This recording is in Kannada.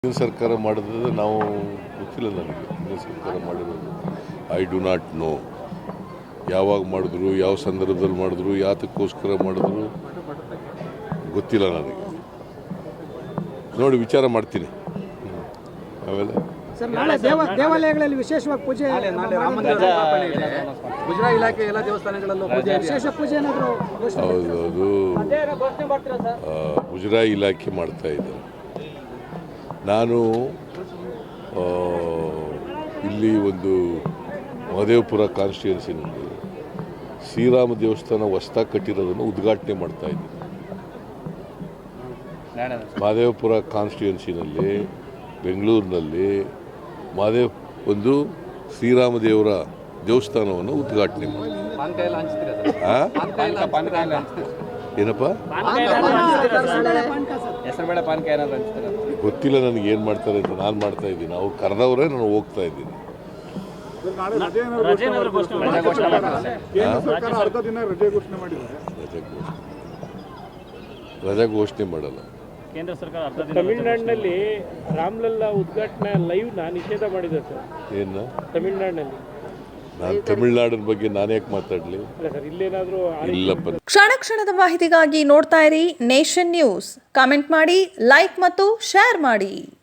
ಕೇಂದ್ರ ಸರ್ಕಾರ ಮಾಡಿದ್ರೆ ನಾವು ಗೊತ್ತಿಲ್ಲ ನನಗೆ. ಕೇಂದ್ರ ಸರ್ಕಾರ ಮಾಡಿರೋದು ಐ ಡು ನಾಟ್ ನೋ. ಯಾವಾಗ ಮಾಡಿದ್ರು, ಯಾವ ಸಂದರ್ಭದಲ್ಲಿ ಮಾಡಿದ್ರು, ಯಾತಕ್ಕೋಸ್ಕರ ಮಾಡಿದ್ರು ಗೊತ್ತಿಲ್ಲ ನನಗೆ. ನೋಡಿ ವಿಚಾರ ಮಾಡ್ತೀನಿ. ಆಮೇಲೆ ದೇವಾಲಯಗಳಲ್ಲಿ ವಿಶೇಷವಾಗಿ ಪೂಜೆ, ಗುಜರಾತ್ ಇಲಾಖೆ ಎಲ್ಲ ದೇವಸ್ಥಾನಗಳಲ್ಲೂ ಪೂಜೆ, ವಿಶೇಷ ಪೂಜೆ ಏನಾದರೂ ಹೌದು, ಅದು ಮುಜರಾಯಿ ಇಲಾಖೆ ಮಾಡ್ತಾ ಇದ್ದಾರೆ. ನಾನು ಇಲ್ಲಿ ಒಂದು ಮಹದೇವಪುರ ಕಾನ್ಸ್ಟಿಟ್ಯೂನ್ಸಿನಲ್ಲಿ ಶ್ರೀರಾಮ ದೇವಸ್ಥಾನ ಹೊಸದಾಗಿ ಕಟ್ಟಿರೋದನ್ನು ಉದ್ಘಾಟನೆ ಮಾಡ್ತಾ ಇದ್ದೀನಿ. ಮಹದೇವಪುರ ಕಾನ್ಸ್ಟಿಟ್ಯೂನ್ಸಿನಲ್ಲಿ ಬೆಂಗಳೂರಿನಲ್ಲಿ ಒಂದು ಶ್ರೀರಾಮ ದೇವರ ದೇವಸ್ಥಾನವನ್ನು ಉದ್ಘಾಟನೆ ಮಾಡಿ. ಏನಪ್ಪ ಗೊತ್ತಿಲ್ಲ ನನಗೆ ಏನು ಮಾಡ್ತಾರೆ ಅಂತ. ನಾನು ಮಾಡ್ತಾ ಇದ್ದೀನಿ, ಅವ್ರು ಕರೆದವರೇ ನಾನು ಹೋಗ್ತಾ ಇದ್ದೀನಿ. ರಜಾ ಘೋಷಣೆ ಮಾಡಲ್ಲ ಕೇಂದ್ರ ಸರ್ಕಾರ. ತಮಿಳುನಾಡಿನಲ್ಲಿ ರಾಮಲಲ್ಲಾ ಉದ್ಘಾಟನಾ ಲೈವ್ ನಿಷೇಧ ಮಾಡಿದೆ ಸರ್. ಏನು ತಮಿಳುನಾಡಿನಲ್ಲಿ? ನಾನು ತಮಿಳುನಾಡಿನ ಬಗ್ಗೆ ನಾನು ಯಾಕೆ ಮಾತಾಡಲಿ? ಇಲ್ಲಪ್ಪ. ಕ್ಷಣ ಕ್ಷಣದ ಮಾಹಿತಿಗಾಗಿ ನೋಡ್ತಾ ಇರಿ ನೇಷನ್ ನ್ಯೂಸ್. ಕಾಮೆಂಟ್ ಮಾಡಿ, ಲೈಕ್ ಮತ್ತು ಶೇರ್ ಮಾಡಿ.